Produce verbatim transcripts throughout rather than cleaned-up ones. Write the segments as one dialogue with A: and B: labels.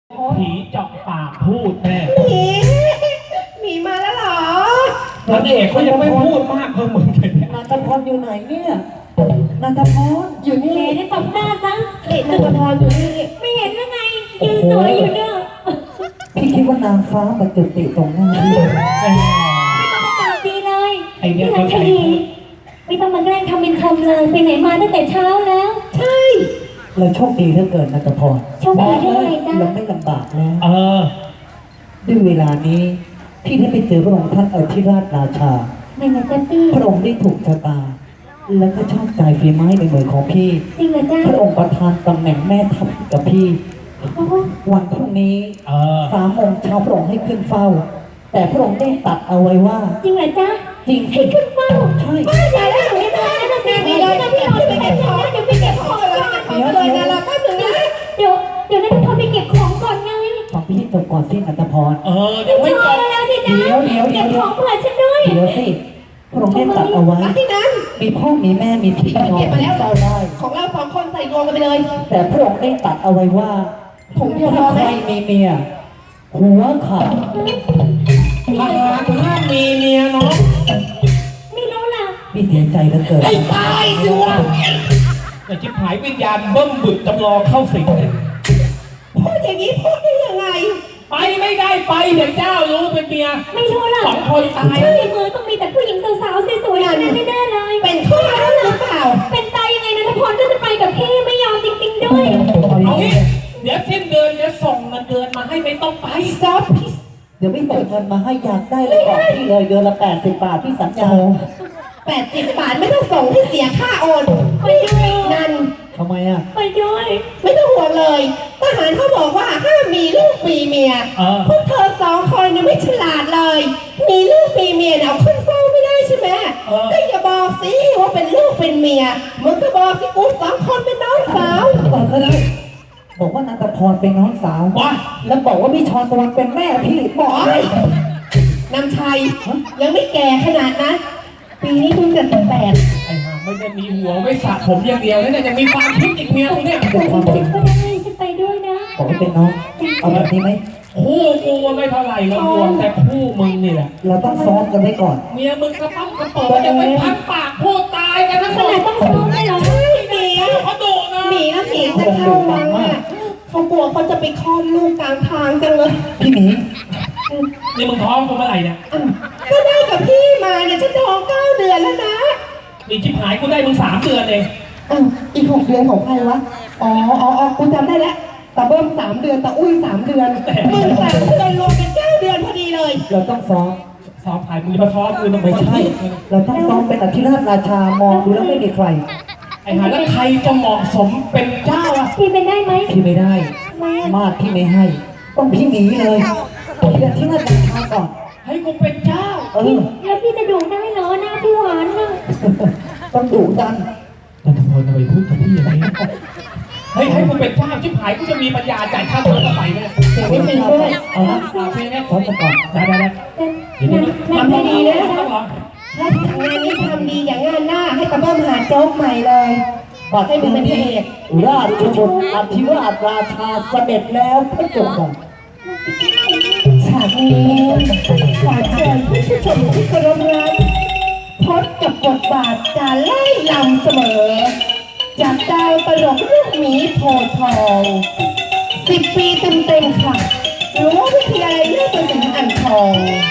A: ผีเจาะปากพูดแน่
B: หมีหมีมาแล้วเหรอ
A: พระเอกเขายังไม่พูดมากเพิ่มเหมือนกัน
C: นันทพรอยู่ไหนเนี่ยนันทพร
B: อยู่นี่
D: ได้ตบหน้าซะ
B: เด็กนันทพรอยู่นี่
D: ไม่เห็นยังไงยืนสวยอยู่เด้อ
C: พี่คิดว่านางฟ้ามาจุติตรงหน้าพี่
D: ไม่ต้องมาปากดีเลยพี่รักคดีไม่ต้องมาแกล้งทำเป็นคำเลยไปไหนมาตั้งแต่เช้าแล้ว
B: ใช่
C: เราโชคดีเหลือเกินนันทพร
D: โชคดีเรื่องอะไรจ๊ะ
C: เราไม่ลำบากแล้ว
A: เออ
C: ด้วยเวลานี้พี่ได้ไปเจอพระองค์ท่านอธิราชราชา
D: ไม่นะจ๊ะพี่
C: พระองค์ได้ถูกชะตาแล้วก็ชอบใจฝีไม้ในมือของพี่
D: จริงเหรอจ๊ะ
C: พระองค์ประทานตำแหน่งแม่ทัพกับพี่วันพรุ่งนี้สามโมงเช้าพระองค์ให้ขึ้นเฝ้าแต่พระองค์ได้ตัดเอาไว้ว่า
D: จริงเหรอจ๊ะ
C: จริง
D: ให้ขึ้นเฝ้า
C: ใช่
D: ใช่แล้วหนูไม่ได้แล้วนะสิพี่เลยนะพี่เราไปเก็บของเดี๋ยวไปเก็บของเลย
B: เดี๋ยวเลยนะเราแป๊บนึงนะ
D: เดี๋ยวเดี๋ยวนั่นพอไปเก็บของก่อนไง
C: ฟังพี่จบก่อนสินันทพร
A: เออเดี๋ยวไม่จบ
D: แล้วสิจ๊ะ
C: เดี๋ยวเดี๋ยวเดี๋ยว
D: เก็บของเผื่อฉันด้วย
C: เดี๋ยวสิพระองค์ได้ตัดเอาไว้
B: ที่นั้น
C: มีพ่อมีแม่มีพี่น้องเฝ้าได้
B: ของเราสองคนใส่รวมกันไปเลย
C: แต่พระองค์ได้ตัดเอาไว้ว่า
B: ผมเดียวพอไหม
C: ใครมีเมียหัวขาด
A: ทหารห้ามมีเมียเนาะ
D: ไม่รู้ล่ะ
C: พี่เสียใจเหลือเกิน
B: ให้ตายสิวะ
A: แต่ชิบหายวิญญาณเบิ้มบึกจำลองเข้าสิงเลย
B: พูดอย่างนี้พูดได้ยังไง
A: ไปไม่ได้ไปเดี๋ยวเจ้ารู้เป็นเมีย
D: ไม่รู้ล่ะ
A: สองคนตาย
D: ในมือต้องมีแต่ผู้หญิงสาวๆสวยๆนั่นแน่ๆเลย
B: เป็นข้อแล้วหรือเปล่า
D: เป็นตายยังไงนะทุกคนก็จะไปกับพี่ไม่ยอมจริงๆด้วย
A: เอางี้เดี๋ยวสิ้นเดือนเดี๋ยวส่งเงินเดือนมาให้ไม่ต้องไป
B: ซอฟพี่
C: เดี๋ยวไม่ส่งเงินมาให้อยากได้เลยบอกพี่เลยเดือนละแปดสิบบาทพี่สัญญา
B: แปดสิบบาทไม่ต้องส่งที่เสียค่าโอน
D: ไปด้วย
B: นั่น
C: ทำไมอ่ะ
D: ไปด้วย
B: ไม่ต้องห่วงเลยทหารเขาบอกว่าห้ามมีลูกมีเมียพวกเธอสองคนยังไม่ฉลาดเลยมีลูกมีเมียเอาขึ้นเฝ้าไม่ได้ใช่ไหมก็อย่าบอกสิว่าเป็นลูกเป็นเมียมึงก็บอกสิกูสองคนเป็นน้องสาว
C: บอกก็ได้บอกว่านันทพรเป็นน้องสาวแล้วบอกว่าพี่ชรตะวันเป็นแม่พี่บอกเลย
B: นำชัยยังไม่แก่ขนาดนั้นปีนี้เพิ่งจะสิบแปด
A: ไอ้ห่าไม่ได้มีหัวไม่สระผมอย่างเดียวแล้วเนี่ยยังมีความคิดอีกเมียกูเนี่ย
C: บอกความจริง
D: ก็ได้ฉันไปด้วยนะ
C: บอกว่าเป็นน้องเอาแบบนี้ไหม
A: คู่กูว่าไม่เท่าไหร่เรารวมแต่คู่มึงนี่แหละ
C: เราต้องซ้อมกันไว้ก่อน
A: เมียมึงกระปั๊มกระเป๋าจะไปพันปากพูดตายกันทั้งหมด
D: ต้องซ้อมเลยเหรอ
B: หมี
A: เขาดุนะ
B: หมีนะหมีจะเข้าวังอ่ะเขากลัวเขาจะไปคลอดลูกกลางทางจังเลย
C: พี่หมี
A: นี่มึงท้องกูเมื่อไหร่เนี่ย
B: ก็ได้กับพี่มาเนี่ยฉันท้องเก้าเดือนแล้วนะ
A: นี่ชิบหายกูได้มึงสามเดือนเอง
B: อ้าวอีกหกเดือนของใครวะอ๋ออ๋ออ๋อกูจำได้แล้วตาเบิ้มสามเดือนตาอุ้ยสามเดือนมึงสามเดือนรวมเป็นเก้าเดือนพอดีเลย
C: เราต้องซ้อม
A: ซ้อมถ่ายมึงจะมาซ้อมกูต้อง
C: ไม่ใช่เราต้องซ้อมเป็นอธิราชราชามองดูแล้วไม่มีใคร
A: ไอ้หาแล้วใครจะเหมาะสมเป็นเจ้าอ่ะ
D: พี่เป็นได้ไหม
C: พี่ไม่ได้มากพี่ไม่ให้ต้องพี่หนีเลยพี่อธิราชราชาก่อน
A: ให้กูเป็นเจ้า
C: เออ
D: แล้วพี่จะดูได้เหรอหน้าพี่หวานน่ะ
C: ต้องดุดัน
A: นันทพรทำไมพูดกับพี่อย่างนี้เฮ้ยให้กูเป็นเจ้าชิบหายกูจะมีปัญญาจ่ายค่าตัวเท่าไหร่เนี่ย
C: เดี๋ยวไม่ด้วยเอาละ
A: เอาเพลงนี้
C: ซ้อมกันก่อน
A: ได้ได้ได้
B: เดี๋ยวนี้ทำดีๆนะถ้างานนี้ทำดีอย่างงานหน้าให้ตาเบิ้มหาโจ๊กใหม่เลย
C: บอกให้มึงเป็นพระเอกราชบุตรอธิราชราชาเสด็จแล้วพระเจ้าค่ะ
B: ฉากนี้ขอเชิญผู้ชมที่เคารพรักพบกับบทบาทการไล่ลำเสมอจากดาวตลกลูกหมีโพธิ์ทองสิบปีเต็มๆค่ะรั้ววิทยาลัยนาฏศิลป์อ่างทอง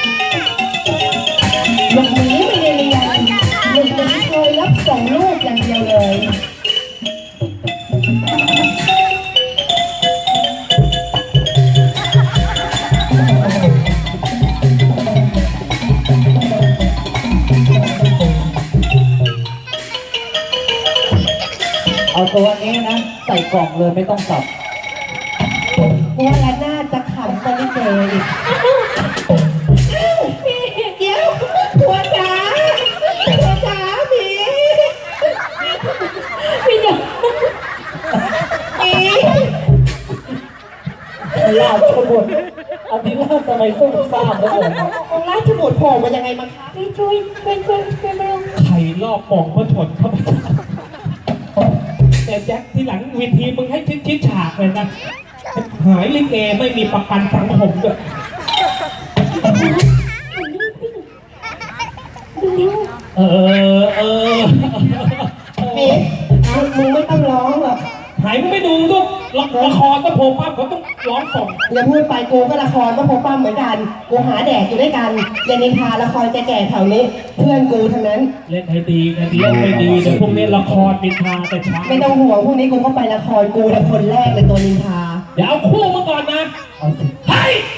B: ลูกหมีไม่ได้เรียนลูกหมีเคยรับส่งลูกอย่างเดียวเลย
C: เอาตัวนี้นะใส่กล่องเลยไม่ต้องสับ
B: ว่าแล้วน่าจะขำตอนนี้เจออีกเดี๋ยวหัวจ๋าหัวจ๋าผี
D: พี่เดี๋ยว
B: ผี
C: ราชบุตรอธิราชทำไมซุ่มซ่ามแล้วผม
B: องค์ราชบุตรโผล่มายังไงมาคะ
D: พี่ช่วยช่วยช่วยช่วยมาลง
A: ไข่รอบปองเพื่อถดเข้าไปแต่แจ็คที่หลังวิธีมึงให้ชิดชิดฉากเลยนะหายลิเกไม่มีประกันสังคมด้วย เออเออ
B: เอ๊ะมึงไม่ต้องร้องหรอก
A: หายมึงไม่ดูทุกละครก็โผล่ปั๊บเขาต้องร้องส่ง
B: อย่าพูดไปกูก็ละครก็พบป้าเหมือนกันกูหาแดกอยู่ด้วยกันอย่านินทาละครแก่ๆแถวนี้ เพื่อนกูทั้งนั้น
A: เล่นให้ดีนะดีเล่นให้ดีแต่พวกนี้ละครนินทาแต่ช้า
B: ไม่ต้องห่วงพวกนี้กูก็ไปละครกูแต่คนแรกเลยตัวนินทา
A: เดี๋ยวเอาคู่มาก่อนนะ
C: เอาสิ
A: เฮ้ยไป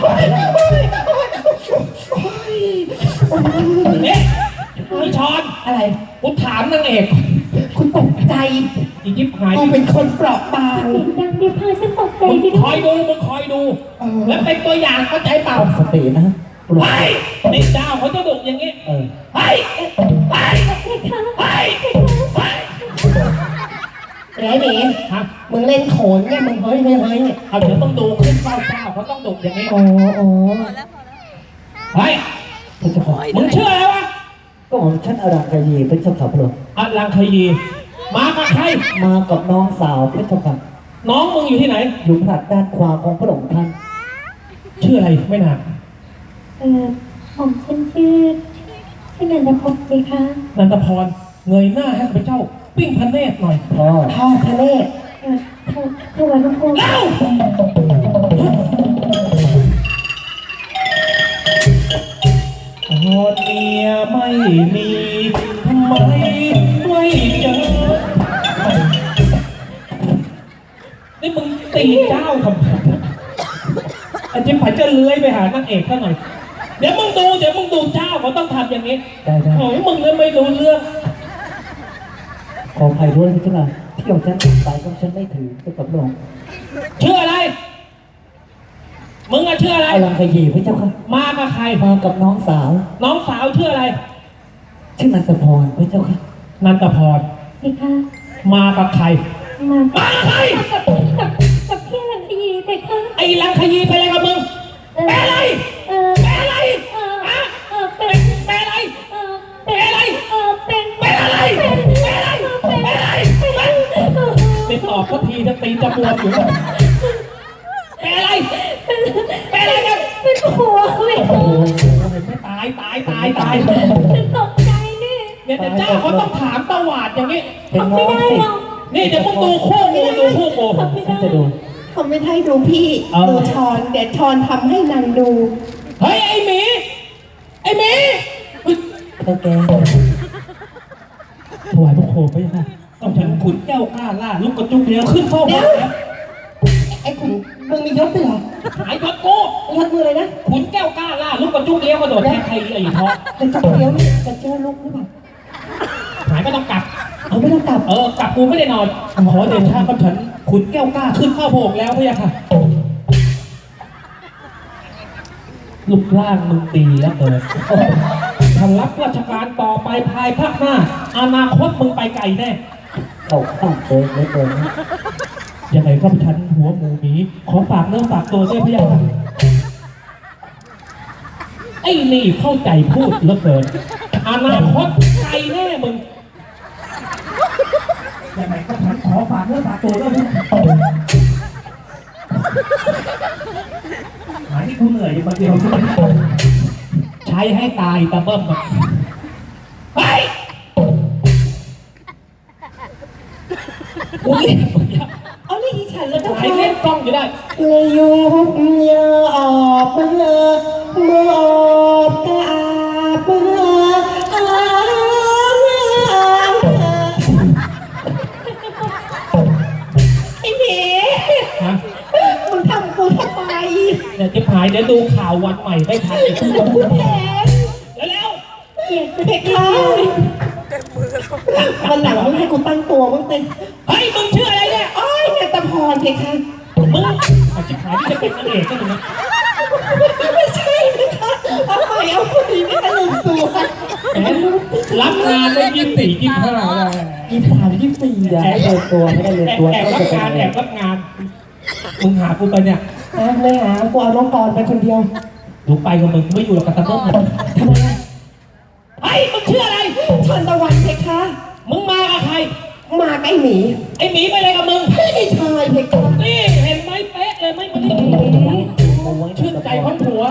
A: เอ๊ะพี่ชอน
B: อะไร
A: กูถามนางเอก
B: คุณตกใจ
A: อียิปต์หาย
B: กูเป็นคนเปราะบาง
D: เสียงดังเดี๋ยวพาฉันตกใจ
A: มึง
D: ไป
A: ค
D: ด้ว
A: อย ยดูมึงคอยดู แล้วเป็นตัวอย่างเข้าใจเปล่า
C: ตั้งสตินะปลุก
A: ไปในเจ้าเขาจะดุอย่างงี้
C: เออ
A: ไปไปไปไป
B: ไหนหนี
A: ฮะ
B: มึงเล่นโขนเนี่ยมึงเฮ้ยเฮ้ยเฮ้ยเนี่ย
A: เอาเดี๋ยวต้องดูขึ้นเจ้าเจ้าเขาต้องดุอย่างนี้
B: โอ้โอ้
A: เฮ้ย
C: พระเจ้าค่ะ
A: มึงเชื่ออะไรวะ
C: ก็ของฉันอรังกายีพระเจ้าค่ะพระองค์
A: อลังคยีมากับใคร
C: มากับน้องสาวพระเจ้าค่ะ
A: น้องมึงอยู่ที่ไหน
C: อยู่ผลัดด้านขวาของพระองค์ท่าน
A: ชื่ออะไรไม่นาน
D: เออผมฉันชื่อชื่อนันทพงศ์สิคะ
A: นันทพรเงยหน้าให้ข้าพเจ้า ปิ้งพระเนตรหน่อย
C: พ่อ
B: พ่อทะเล
D: เออถวถวายบังคม
A: เล่าตอนเมียไม่มีทำไมไม่เจอนี่มึงตีเจ้าทำไมอาจารย์ผายจะเลื้อยไปหานางเอกซะหน่อย เดี๋ยวมึงดูเดี๋ยวมึงดูเจ้าเขาต้องทำอย่างนี้
C: ได้ได้
A: โอ้ยมึงเนี่ยไม่รู้เรื่อง
C: ขออภัยด้วยพระเจ้าค่ะที่ของฉันสายของฉันไม่ถือเจ้ากับพระองค์
A: เชื่ออะไร มึงอะเชื่ออะไร
C: อรังกายีพระเจ้าค่ะ
A: มากับใคร
C: มากับน้องสาว
A: น้องสาวชื่ออะไร
C: ชื่อนันทพรพระเจ้าค่ะ
A: นันทพร
D: สิคะ
A: มากับใคร
D: มา
A: มากับใคร
D: กับกับกับพี่ลังคีสิคะ
A: ไอ้ลังขยีไปอะไรกับมึง
D: เออ
A: แปลอะไร
D: เออ
A: แปลอะไร
D: เออ
A: ฮะ
D: เออเป็น
A: แปลอะไร
D: เออเป็นอะไรเออเป็น
A: แปลอะไร
D: เป็น
A: แปลอะไร
D: เป็น
A: แปลอะไร
D: เป็น
A: ติดต่อสักทีจะตีจะบวมอยู่แล้วแปลอะไร แปลอะไรกัน
D: เป็นหัวไม่
A: โอ้โหเห็นไหม่ตายตายตายตาย
D: ฉันตกใจนี่
A: เนี่ยแต่เจ้าเขาต้องถามตวาดอย่างนี้
C: เป็น
D: ทำ
C: น้
D: ไม่
C: อง
D: ได้
C: สิ
D: หรอก
A: นี่เดี๋ยวมึงดูคู่งูดูคู่โก
D: ทำไม่
C: ฉัน
D: ได้
C: จะดู
B: เขาไม่ให้ดูพี่
A: เออ
B: ดูชอนเดี๋ยวชอนทำให้นางดู
A: เฮ้ยไอ้หมีไอ้หมีเฮ้ย
C: เจ้าแก
A: ถวายพระโคมไปยังไงต้องฉันขุนแก้วกล้าล่าลูกกระจุกเดียวขึ้นเข้า
B: เดี๋
A: บ้า
B: ยว
A: นแล้ว
B: ไอ้ขุนมึงมียศด้วยเหรอ
A: หายยศกู
B: ยศมือเลยนะ
A: ขุนแก้วกล้าล่าลูกกระจุกเลี้ยวกระโดดแทงใครไอ้ท้อ
B: จะจับเดี๋ยวนี่จะเจอลูกหรือเปล่า
A: หายไม่ต้องกลับ
B: เอาไม่ต้องกลับ
A: เออกลับกูไม่ได้นอนขอเดชะกับฉันขุนแก้วกล้าขึ้นเข้าโบกแล้วพี่ค่ะรูปร่างมึงดีแล้วเกินถ้ารับราชการต่อไปภายภาคหน้า อนาคตมึงไปไกลแน่
C: เข้าข้างตัวเหลยเกิน
A: ยังไงก็ฉันหัวหมูหมีขอฝากเนื้อฝากตัวด้วยพี่ค่ะไอ้นี่เข้าใจพูดเหลือเกินอนาคตไกลแน่มึงยังไงก็ฉันขอฝากเนื้อฝากตัวด้วยพี่หาที่กูเหนื่อยอยู่คนเดียวใช้ให้ตายตะเบิ้มแบบไปกูเล่น
B: เอาเรียกอีฉันแล้วเจ้า
A: ไอ้
B: ค่ะ
A: เล่นกล้องอยู่ได้
B: เลยยุบยาออกมาเมื่อออกกาบมาไอ้หมี
A: ฮะ
B: มึงทำกูทำไม
A: เดี๋ยวจะหายเดี๋ยวดูข่าววันใหม่ไม่ทันอีก
B: กูแทน
A: แล้ว
D: เกลียดจะ
B: เด็กเขาวันหลังมึงให้กูตั้งตัวมึงเต็ม
A: เฮ้ยมึงชื่ออะไรเนี่ย
B: อ้อยเนี่ยตะพรเพคะ
A: มึงอาจจะขายที่จะเป็นนางเอกก็ได้นะ
B: ไม่ใช่นะคะเอาใหม่เอาใหม่ไม่ตะลึงตัว
A: แหมรับงานได้ยี่สิบสี่ยี่สิบห้าได้
B: ยี่สามยี่สี่
C: อย่าให้เลือนตัวไม่ได้เลือน
A: แอบ
C: ตัว
A: แอบ
C: ก็
A: รับ
C: จะเป็น
A: งาน
C: เอ
A: แอง บรับงาน มึงหากูไปเนี่ย
B: นะไม่หากูเอาน้องกรไปคนเดียว
A: ดูไปกับมึงกูไม่อยู่หรอกกับตะเบิ้มนะ
B: ทำไมอะ
A: เฮ้ยมึงชื่ออะไร
B: ชนตะวันเพคะ
A: มึงมากับใคร
B: มาไอ้หมี
A: ไอ้หมีไปอะไรกับมึง
B: ไอ้ชายเพคะ
A: นี่เห็นไหมเป๊ะเลยไม่มานี่ชื่นใจพันผัว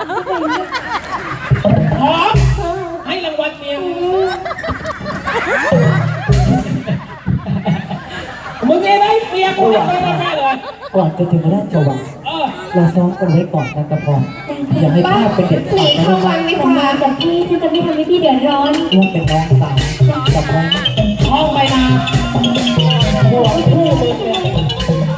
A: หอมให้รางวัลเมียมึงเองได้เมียกูให้ไปแน่เลย
C: ก่อนจะถึงราชวัง
A: เออ
C: เราซ้อมกันไว้ก่อนนะกระพรอย่าให้พลาดเป็นเด็ด
B: หนี
C: ขาด
B: เข้าวั
C: นะ
B: งดีก
D: สัญญา
B: ว่า
D: กับพี่ฉันจะไม่ทำให้พี่เดือดร้อน
C: ร่วมเป็นน้องสาวกับพร
A: ห้องไปนา